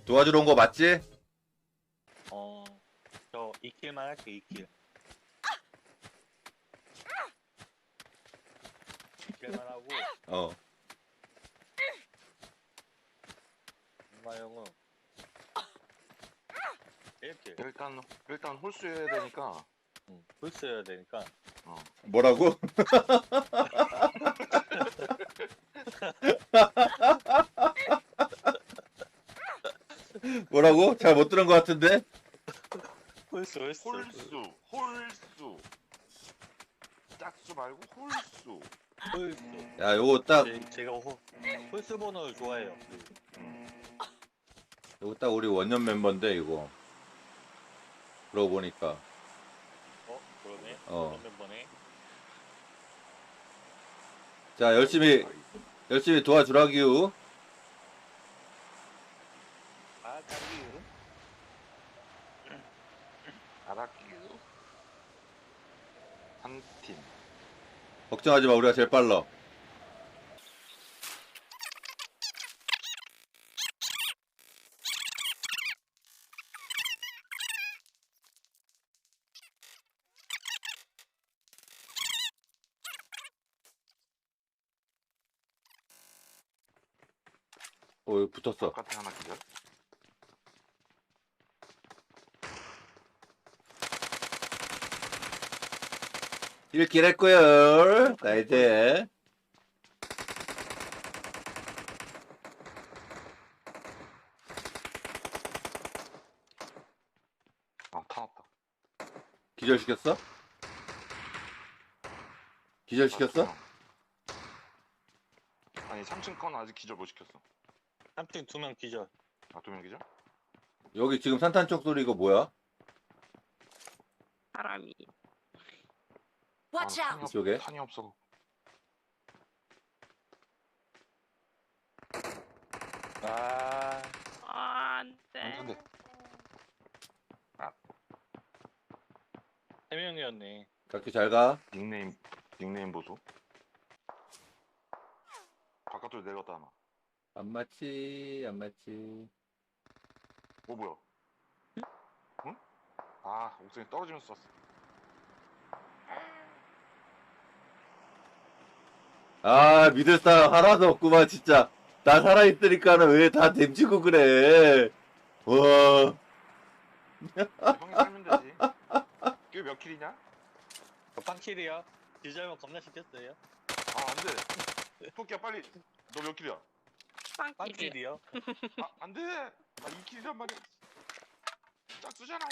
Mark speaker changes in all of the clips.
Speaker 1: 도와주러 온 거 맞지?
Speaker 2: 저 2킬만 할게, 2킬. 2킬만 하고,
Speaker 1: 어.
Speaker 2: 엄마 형은 1킬.
Speaker 3: 일단 홀수해야 되니까.
Speaker 2: 풀스 해야 되니까.
Speaker 1: 뭐라고? 뭐라고? 잘 못 들은 것 같은데?
Speaker 2: 홀수.
Speaker 3: 홀수. 짝수 말고 홀수.
Speaker 2: 홀수.
Speaker 1: 야, 요거 딱,
Speaker 2: 제가 홀수 번호를 좋아해요.
Speaker 1: 요거 딱 우리 원년 멤버인데, 이거. 그러고 보니까.
Speaker 2: 그러네.
Speaker 1: 어.
Speaker 2: 그런 멤버네.
Speaker 1: 자, 열심히 도와주라기요.
Speaker 2: 아, 짱이유.
Speaker 3: 알았기요. 한 팀.
Speaker 1: 걱정하지 마, 우리가 제일 빨라. 여기 붙었어.
Speaker 3: 바깥에 하나 기절.
Speaker 1: 일길 했고요. 자, 이제.
Speaker 3: 타났다.
Speaker 1: 기절시켰어? 기절시켰어?
Speaker 3: 아니 3층 건 아직 기절 못 시켰어.
Speaker 2: 3팀 2명 기절.
Speaker 3: 아 2명 기절?
Speaker 1: 여기 지금 산탄쪽 소리 이거 뭐야?
Speaker 4: 사람이.
Speaker 5: Watch out!
Speaker 1: 이쪽에?
Speaker 3: 탄이 없어.
Speaker 2: 아,
Speaker 4: 안 돼.
Speaker 3: 안 돼.
Speaker 2: 3명이었네.
Speaker 1: 각기 잘 가.
Speaker 3: 닉네임 보소. 바깥으로 내렸다 하나.
Speaker 1: 안 맞지, 안 맞지.
Speaker 3: 뭐야? 응? 아 옥상에 떨어지면서 쐈어.
Speaker 1: 아, 믿을 사람 하나도 없구만, 진짜. 나 살아있으니까는 왜 다 댐지고 그래. 와.
Speaker 3: 형이 살면 되지. 그게 몇 킬이냐?
Speaker 2: 저 빵킬이야. 기절만 겁나 시켰어요.
Speaker 3: 아 안돼. 토끼야 빨리. 너 몇 킬이야?
Speaker 4: 빵끼리.
Speaker 2: 빵킬이요.
Speaker 3: 아 안돼. 아 2킬이란 말이야. 짝수잖아.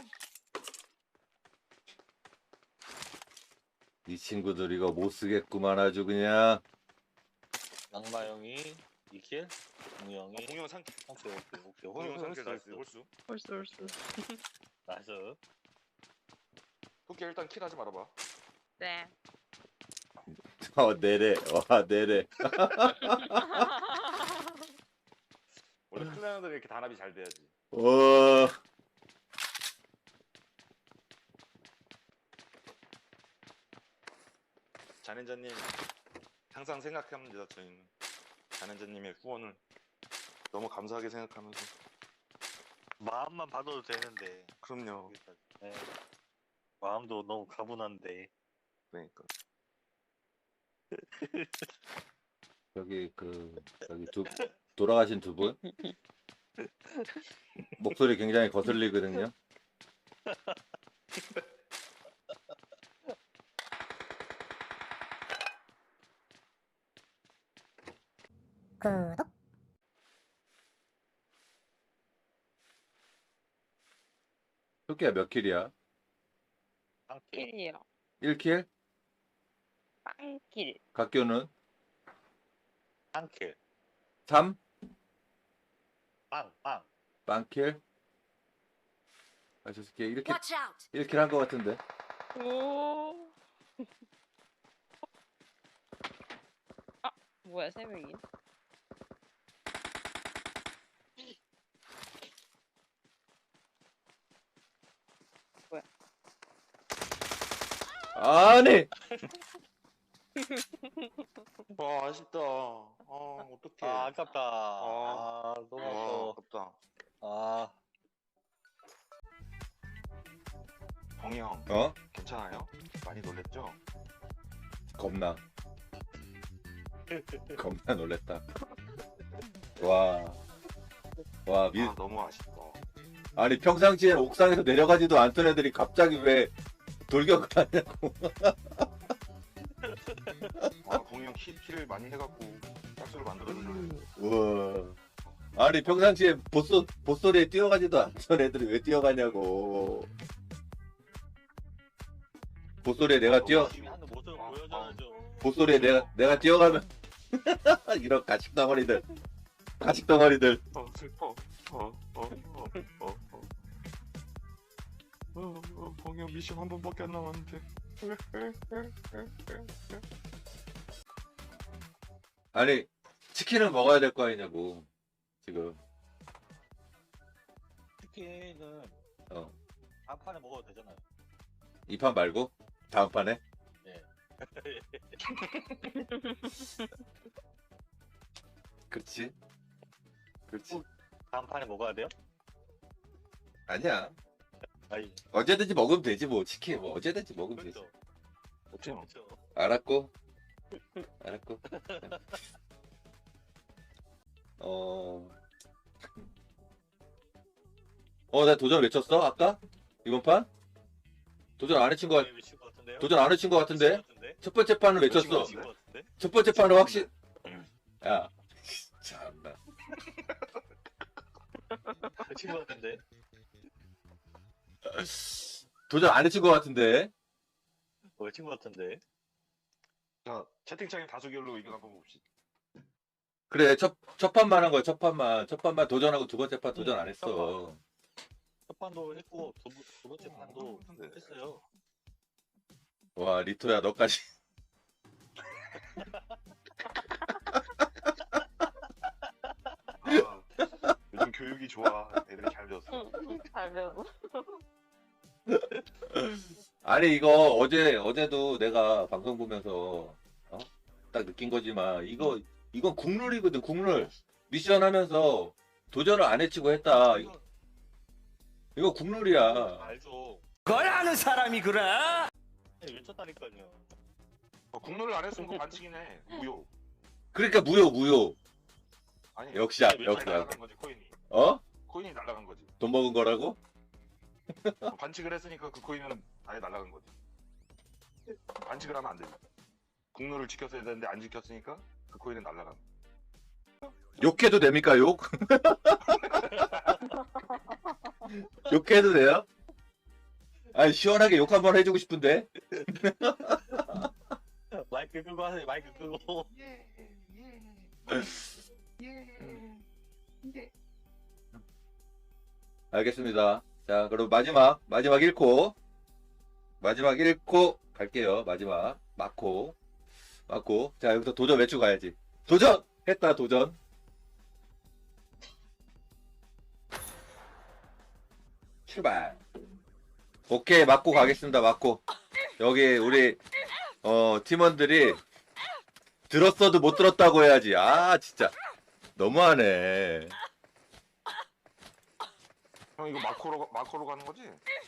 Speaker 1: 이 친구들 이거 못 쓰겠구만, 아주 그냥.
Speaker 2: 낙마 형이 2킬, 공형이
Speaker 3: 공룡 3킬.
Speaker 2: 오케이.
Speaker 3: 공룡 3킬
Speaker 2: 홀수.
Speaker 3: 나이스. 홀수.
Speaker 4: 홀수.
Speaker 2: 나이스.
Speaker 3: 토끼야 일단 킬 하지 말아봐.
Speaker 4: 네.
Speaker 1: 내래. 와, 내래.
Speaker 3: 원래 클랜들이 이렇게 단합이 잘 돼야지.
Speaker 1: 와.
Speaker 3: 잔인자님 항상 생각합니다. 저희는 잔인자님의 후원을 너무 감사하게 생각하면서.
Speaker 2: 마음만 받아도 되는데.
Speaker 3: 그럼요.
Speaker 2: 네. 마음도 너무 가분한데.
Speaker 3: 그러니까.
Speaker 1: 여기 돌아가신 두 분. 목소리 굉장히 거슬리거든요.
Speaker 5: 구독!
Speaker 1: 토끼야 몇 킬이야?
Speaker 2: 빵킬.
Speaker 4: 킬이요.
Speaker 1: 1킬?
Speaker 4: 빵길.
Speaker 1: 각교는?
Speaker 2: 빵킬.
Speaker 1: 3?
Speaker 2: 빵.
Speaker 1: 빵킬? 아, 저 새끼 1킬,
Speaker 5: Watch out!
Speaker 1: 1킬 한 거 같은데.
Speaker 4: 오. 아, 뭐야, 3명이?
Speaker 1: 아니!
Speaker 3: 와 아쉽다. 어떡해.
Speaker 2: 아, 아깝다.
Speaker 3: 아.
Speaker 2: 너무
Speaker 3: 와
Speaker 2: 아까워.
Speaker 3: 아깝다.
Speaker 2: 아,
Speaker 3: 동이 형
Speaker 1: 어?
Speaker 3: 괜찮아요? 많이 놀랬죠?
Speaker 1: 겁나. 겁나 놀랬다. 와. 와,
Speaker 3: 아 너무 아쉽다.
Speaker 1: 아니, 평상시에 옥상에서 내려가지도 않던 애들이 갑자기 왜 돌격을 하냐고.
Speaker 3: 아 동이 형 킬을 많이 해갖고 짝수를 만들어주려고.
Speaker 1: 우와. 아니, 평상시에 보소리에 뛰어가지도 않던 애들이 왜 뛰어가냐고. 보소리에 내가 뛰어,
Speaker 2: 열심히 하는 모습을 보여줘야죠.
Speaker 1: 보소리에 내가 뛰어가면, 이런 가식덩어리들. 가식덩어리들.
Speaker 3: 슬퍼. 동이 형 미션 한 번밖에 안 남았는데.
Speaker 1: 아니, 치킨을 먹어야 될 거 아니냐고. 지금.
Speaker 2: 치킨은
Speaker 1: 어.
Speaker 2: 한 판에 먹어도 되잖아요.
Speaker 1: 이 판 말고? 다음 판에?
Speaker 2: 예.
Speaker 1: 그렇지. 그렇지.
Speaker 2: 한 판에 먹어야 돼요?
Speaker 1: 아니야.
Speaker 2: 아니,
Speaker 1: 언제든지 먹으면 되지, 뭐. 치킨, 뭐. 언제든지 먹으면 되지.
Speaker 2: 그렇죠.
Speaker 3: 어때요?
Speaker 2: 그렇죠.
Speaker 1: 알았고. 알았고. 나 도전 외쳤어? 아까? 이번 판? 도전 안 해친 거,
Speaker 2: 미친 것 같은데요?
Speaker 1: 도전 안 해친 거 같은데? 첫 번째 판은 외쳤어.
Speaker 2: 미친 것 같은데?
Speaker 1: 첫 번째 판은 확실, 야. 참나.
Speaker 2: 미친 것 같은데?
Speaker 1: 도전 안 해친 거 같은데?
Speaker 2: 미친 것 같은데?
Speaker 3: 자 채팅창에 다수결로 이거 한번 봅시다.
Speaker 1: 그래, 첫 판만 한 거야, 첫 판만. 첫 판만 도전하고 두 번째 판 도전 안 했어.
Speaker 2: 첫 판도 했고 두 번째 판도 했어요.
Speaker 1: 와, 리토야, 너까지.
Speaker 3: 아, 요즘 교육이 좋아. 애들이 잘 배웠어.
Speaker 4: 잘 배워.
Speaker 1: 아니, 이거 어제도 내가 방송 보면서, 딱 느낀 거지만, 이건 국룰이거든, 국룰. 미션 하면서 도전을 안 해치고 했다. 이거 국룰이야.
Speaker 2: 알죠.
Speaker 6: 그걸 아는 사람이 그래?
Speaker 2: 외쳤다니까요.
Speaker 3: 국룰을 안 했으면 그거 반칙이네. 무효.
Speaker 1: 그러니까 무효.
Speaker 3: 아니
Speaker 1: 역시,
Speaker 3: 코인이
Speaker 1: 역시.
Speaker 3: 날라간 거지 코인이.
Speaker 1: 어?
Speaker 3: 코인이 날라간 거지.
Speaker 1: 돈 먹은 거라고?
Speaker 3: 반칙을 했으니까 그 코인은 아예 날라간 거지. 반칙을 하면 안 되지. 국룰을 지켰어야 되는데 안 지켰으니까 그 코인은 날라간 거.
Speaker 1: 욕해도 됩니까, 욕? 욕해도 돼요? 아니, 시원하게 욕 한번 해주고 싶은데?
Speaker 2: 마이크 끄고 하세요. 마이크 끄고.
Speaker 1: 알겠습니다. 자, 그럼 마지막 1코. 마지막 1코 갈게요. 마지막. 마코. 자, 여기서 도전 외치고 가야지. 도전! 했다, 도전. 출발. 오케이, 맞고 가겠습니다, 맞고. 여기, 우리, 팀원들이 들었어도 못 들었다고 해야지. 아, 진짜. 너무하네.
Speaker 3: 형 이거 마코로 가는 거지?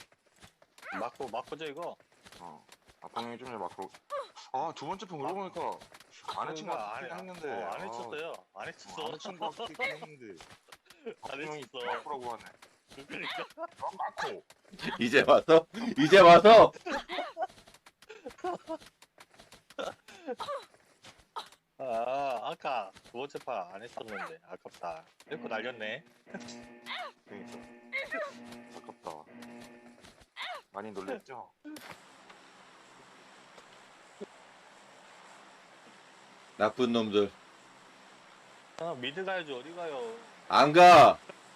Speaker 2: 마코죠 이거?
Speaker 3: 아빠 형이 좀 전에 마코로. 아 두 번째 편 그러고 보니까 안 해친 거 같긴 했는데.
Speaker 2: 안 해쳤어요. 안 해쳤어.
Speaker 3: 안 해친 거 같긴 했는데. 아빠
Speaker 2: 안
Speaker 3: 형이
Speaker 2: 해쳤어.
Speaker 3: 마코라고 하네.
Speaker 2: 그러니까.
Speaker 3: 마코.
Speaker 1: 이제 와서? 이제 와서?
Speaker 2: 아까 두 번째 판 안 했었는데 아깝다. 이렇게 날렸네.
Speaker 3: 그러니까. 아깝다. 많이 놀랬죠?
Speaker 1: 나쁜 놈들.
Speaker 2: 미드 가야지 어디 가요?
Speaker 1: 안 가!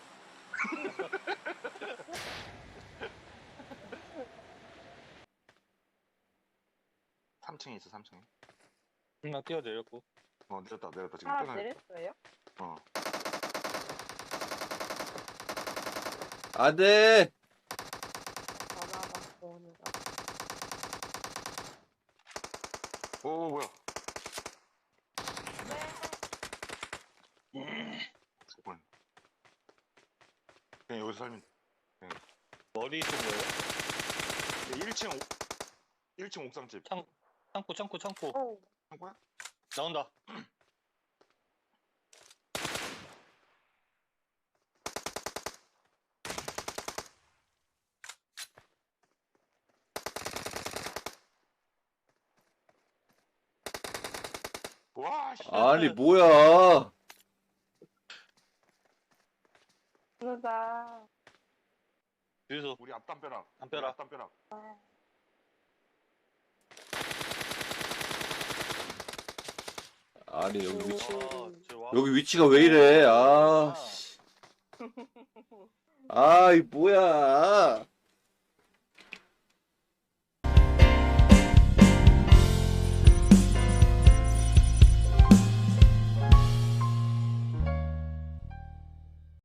Speaker 3: 3층에 있어 3층에.
Speaker 2: 그냥 뛰어내렸고.
Speaker 3: 내렸다 지금
Speaker 4: 아,
Speaker 3: 끊어야 돼.
Speaker 4: 내렸어요?
Speaker 1: 안 돼!
Speaker 4: 전화가 오는 거.
Speaker 3: 오 뭐야?
Speaker 4: 네.
Speaker 3: 잠깐만. 그냥 여기서 살면
Speaker 2: 머리 있는 거예요?
Speaker 3: 1층 옥상집.
Speaker 2: 창고.
Speaker 4: 오.
Speaker 3: 창고야?
Speaker 2: 나온다.
Speaker 3: 와, 씨.
Speaker 1: 아니 뭐야?
Speaker 4: 누가.
Speaker 2: 주유소.
Speaker 3: 우리 앞담벼락.
Speaker 2: 담벼락.
Speaker 3: 우리 앞담벼락.
Speaker 1: 아니 여기 위치
Speaker 2: 와.
Speaker 1: 여기 위치가 왜 이래? 아, 씨. 아, 이 뭐야?